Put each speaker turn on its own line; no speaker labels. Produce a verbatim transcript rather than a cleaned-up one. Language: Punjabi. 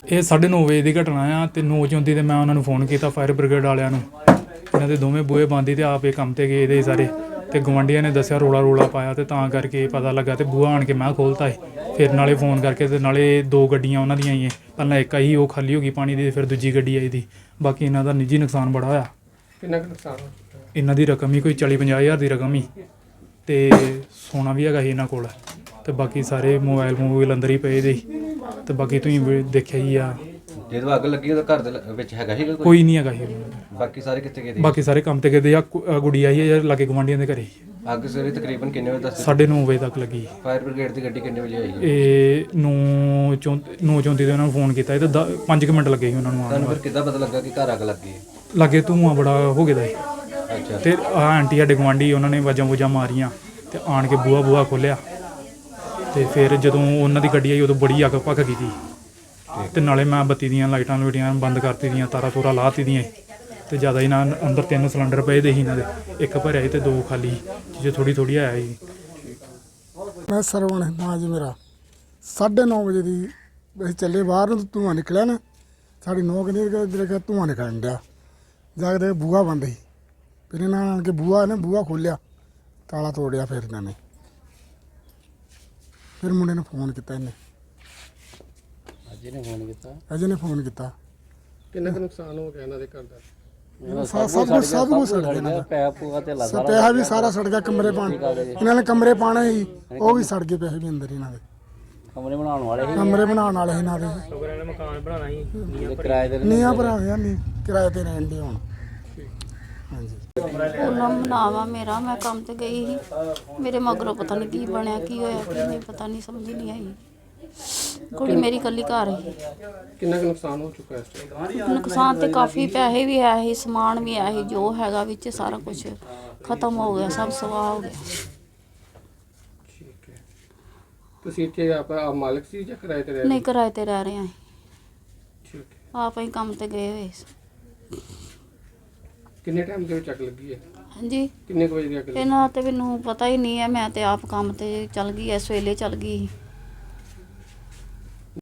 ਇਹ ਸਾਢੇ ਨੌ ਵਜੇ ਦੀ ਘਟਨਾ ਆ ਤੇ ਨੌ ਚੌਂਤੀ ਤੇ ਮੈਂ ਉਹਨਾਂ ਨੂੰ ਫੋਨ ਕੀਤਾ ਫਾਇਰ ਬ੍ਰਿਗੇਡ ਵਾਲਿਆਂ ਨੂੰ। ਇਹਨਾਂ ਦੇ ਦੋਵੇਂ ਬੂਹੇ ਬੰਦ ਸੀ ਤੇ ਆਪ ਇਹ ਕੰਮ ਤੇ ਗਏ ਦੇ ਸਾਰੇ ਤੇ ਗਵਾਂਢੀਆਂ ਨੇ ਦੱਸਿਆ ਰੋਲਾ ਰੋਲਾ ਪਾਇਆ ਤੇ ਤਾਂ ਕਰਕੇ ਪਤਾ ਲੱਗਾ ਤੇ ਬੂਹਾ ਆਣ ਕੇ ਮੈਂ ਖੋਲ੍ਹਤਾ ਸੀ। ਫਿਰ ਨਾਲੇ ਫੋਨ ਕਰਕੇ ਤੇ ਨਾਲੇ ਦੋ ਗੱਡੀਆਂ ਉਹਨਾਂ ਦੀਆਂ ਹੀ ਪਹਿਲਾਂ ਇੱਕ ਆਈ ਉਹ ਖਾਲੀ ਹੋ ਗਈ ਪਾਣੀ ਦੀ, ਫਿਰ ਦੂਜੀ ਗੱਡੀ ਆਈ ਦੀ। ਬਾਕੀ ਇਹਨਾਂ ਦਾ ਨਿੱਜੀ ਨੁਕਸਾਨ ਬੜਾ ਹੋਇਆ।
ਕਿੰਨਾ ਕੁ ਨੁਕਸਾਨ ਹੋਇਆ?
ਇਹਨਾਂ ਦੀ ਰਕਮ ਹੀ ਕੋਈ ਚਾਲੀ ਪੰਜਾਹ ਹਜ਼ਾਰ ਦੀ ਰਕਮ ਹੀ ਤੇ ਸੋਨਾ ਵੀ ਹੈਗਾ ਸੀ ਇਹਨਾਂ ਕੋਲ ਤੇ ਬਾਕੀ ਸਾਰੇ ਮੋਬਾਈਲ ਮੋਬਾਈਲ ਅੰਦਰ ਹੀ ਪਏ ਦੇ ਤੇ ਬਾਕੀ ਤੁਸੀਂ ਵੀ ਦੇਖਿਆ ਹੀ ਆ।
ਜਦੋਂ ਅੱਗ ਲੱਗੀ ਉਹਦਾ ਘਰ ਦੇ ਲ- ਵਿੱਚ ਹੈਗਾ ਸੀਗਾ ਕੋਈ?
ਕੋਈ ਨਹੀਂ ਹੈਗਾ ਸੀ।
ਬਾਕੀ ਸਾਰੇ ਕਿੱਥੇ ਗਏ ਸੀ?
ਬਾਕੀ ਸਾਰੇ ਕੰਮ ਤੇ ਗਏ ਦੇ ਆ। ਕੁ- ਅ ਗੁੜੀ ਆਈ ਹੈ ਯਾਰ ਲਾਗੇ ਗੁਆਂਢੀਆਂ ਦੇ ਘਰੇ।
ਅੱਗ ਸਵੇਰੇ ਤਕਰੀਬਨ ਕਿੰਨੇ ਵਜੇ ਦੱਸ?
ਸਾਢੇ ਨੌ ਵਜੇ ਤੱਕ ਲੱਗੀ।
ਫਾਇਰ ਬ੍ਰਿਗੇਡ ਦੀ ਗੱਡੀ ਕਿੰਨੇ ਵਜੇ ਆਈ?
ਇਹ ਨੌ ਚੌਂ ਨੌ ਚੌਂਤੀ ਦੇ ਉਹਨਾਂ ਨੂੰ ਫੋਨ ਕੀਤਾ ਤੇ ਦ- ਪੰਜ ਕੁ ਮਿੰਟ ਲੱਗੇ ਸੀ ਉਹਨਾਂ ਨੂੰ ਆਉਣ
ਤੁਹਾਨੂੰ
ਨੂੰ।
ਫਿਰ ਕਿੱਦਾਂ ਪਤਾ ਲੱਗਾ ਕਿ ਘਰ ਅੱਗ ਲੱਗੀ ਹੈ?
ਲਾਗੇ ਧੂੰਆਂ ਬੜਾ ਹੋ ਗਿਆ ਦਾ ਸੀ
ਅੱਛਾ।
ਤੇ ਆਹ ਆਂਟੀ ਸਾਡੇ ਗੁਆਂਢੀ ਉਹਨਾਂ ਨੇ ਵਾਜਾਂ ਵੂਜਾਂ ਮਾਰੀਆਂ ਤੇ ਆਣ ਕੇ ਬੂਹਾ ਬੂਹਾ ਖੋਲ੍ਹਿਆ ਤੇ ਫਿਰ ਜਦੋਂ ਉਹਨਾਂ ਦੀ ਗੱਡੀ ਆਈ ਉਦੋਂ ਬੜੀ ਅੱਗ ਭੱਖ ਗਈ ਸੀ ਤੇ ਨਾਲੇ ਮੈਂ ਬੱਤੀ ਦੀਆਂ ਲਾਈਟਾਂ ਲੂਟੀਆਂ ਬੰਦ ਕਰਤੀ ਦੀਆਂ, ਤਾਰਾਂ ਤੂਰਾਂ ਲਾਤੀ ਦੀਆਂ ਤੇ ਜ਼ਿਆਦਾ ਹੀ ਨਾ ਅੰਦਰ ਤਿੰਨ ਸਿਲੰਡਰ ਪਏ ਦੇ ਸੀ ਇਹਨਾਂ ਦੇ, ਇੱਕ ਭਰਿਆ ਸੀ ਤੇ ਦੋ ਖਾਲੀ ਜੇ ਥੋੜ੍ਹੀ ਥੋੜ੍ਹੀ ਆਇਆ ਸੀ।
ਮੈਂ ਸਰਵਣ ਨਾਂ ਜੀ ਮੇਰਾ। ਸਾਢੇ ਨੌ ਵਜੇ ਦੀ ਅਸੀਂ ਚੱਲੇ ਬਾਹਰ ਨੂੰ, ਧੂੰਆਂ ਨਿਕਲਿਆ ਨਾ ਸਾਡੀ ਨੌ ਕਹਿੰਦੀ ਜਿਹੜੇ ਧੂੰਆਂ ਨਿਕਲਣ ਡਿਆ। ਜਾ ਕੇ ਦੇਖਿਆ ਬੂਹਾ ਬੰਦ ਸੀ। ਫਿਰ ਇਹਨਾਂ ਆਣ ਕੇ ਬੂਹਾ ਨੇ ਬੂਹਾ ਖੋਲ੍ਹਿਆ, ਤਾਲਾ ਤੋੜਿਆ। ਫਿਰ ਇਹਨਾਂ ਨੇ ਫਿਰ ਮੁੰਡੇ ਨੂੰ ਫੋਨ ਕੀਤਾ। ਇਹਨੇ
ਅਜੇ ਨੇ ਫੋਨ ਕੀਤਾ।
ਅਜੇ ਨੇ ਫੋਨ ਕੀਤਾ।
ਕਿੰਨਾ ਕੁ ਨੁਕਸਾਨ ਹੋ ਗਿਆ ਇਹਨਾਂ ਦੇ ਘਰ ਦਾ?
ਸਭ ਸਭ ਕੁਛ ਸਭ ਕੁਛ ਸੜ ਗਿਆ ਇਹਨਾਂ ਦਾ।
ਪੈਸਾ ਪੂਆ ਤੇ
ਸ- ਪੈਸਾ ਵੀ ਸਾਰਾ ਸੜ ਗਿਆ। ਕਮਰੇ ਪਾਣ ਇਹਨਾਂ ਨੇ ਕਮਰੇ ਪਾਣੇ ਸੀ, ਉਹ ਵੀ ਸੜ ਗਏ ਪੈਸੇ ਵੀ ਅੰਦਰ ਇਹਨਾਂ ਦੇ।
ਕਮਰੇ ਬਣਾਉਣ ਵਾਲੇ
ਕਮਰੇ ਬਣਾਉਣ ਵਾਲੇ ਸੀ ਇਹਨਾਂ ਦੇ।
ਮਕਾਨ ਬਣਾਉਣਾ ਸੀ ਕਿਰਾਏ ਦੇ।
ਨੀਆਂ ਭਰਾ ਗਿਆ ਨਹੀਂ ਕਿਰਾਏ ਤੇ ਰਹਿਣ ਦੇ ਹੁਣ। ਹਾਂਜੀ
ਉਹਨਾਂ ਮਨਾਵਾ ਮੇਰਾ, ਮੈਂ ਕੰਮ ਤੇ ਗਈ ਸੀ। ਮੇਰੇ ਮਗਰੋਂ ਪਤਾ ਨਹੀਂ ਕੀ ਬਣਿਆ, ਕੀ ਹੋਇਆ, ਕੀ ਨਹੀਂ ਪਤਾ ਨਹੀਂ, ਸਮਝ ਨਹੀਂ ਆਈ। ਕੁੜੀ ਮੇਰੀ ਇਕੱਲੀ ਘਰ ਸੀ।
ਕਿੰਨਾ ਕੁ ਨੁਕਸਾਨ ਹੋ ਚੁੱਕਾ ਇਸ ਟਾਈਮ?
ਨੁਕਸਾਨ ਤੇ ਕਾਫੀ, ਪੈਸੇ ਵੀ ਆਏ ਸੀ, ਸਮਾਨ ਵੀ ਆਇਆ ਸੀ, ਜੋ ਹੈਗਾ ਵਿੱਚ ਸਾਰਾ ਕੁਝ ਖਤਮ ਹੋ ਗਿਆ, ਸਭ ਸਵਾਹ ਹੋ ਗਿਆ।
ਠੀਕ ਹੈ। ਤੁਸੀਂ ਇੱਥੇ ਆਪ ਆਪ ਮਾਲਕ ਸੀ ਜਾਂ ਕਿਰਾਏ ਤੇ ਰਹਿ ਰਹੇ?
ਨਹੀਂ, ਕਿਰਾਏ ਤੇ ਰਹਿ ਰਹੇ ਹਾਂ।
ਠੀਕ ਹੈ।
ਆਪ ਹੀ ਕੰਮ ਤੇ ਗਏ ਹੋਏ ਸੀ।
ਕਿੰਨੇ ਟਾਈਮ ਦੇ ਵਿੱਚ ਅੱਗ ਲੱਗੀ ਹੈ?
ਹਾਂਜੀ,
ਕਿੰਨੇ ਕੁ ਵਜੇ ਦੀ ਅੱਗ ਲੱਗੀ?
ਇਹਨਾਂ ਤੇ ਮੈਨੂੰ ਪਤਾ ਹੀ ਨਹੀਂ ਹੈ। ਮੈਂ ਤੇ ਆਪ ਕੰਮ ਤੇ ਚੱਲ ਗਈ, ਇਸ ਵੇਲੇ ਚੱਲ ਗਈ ਸੀ।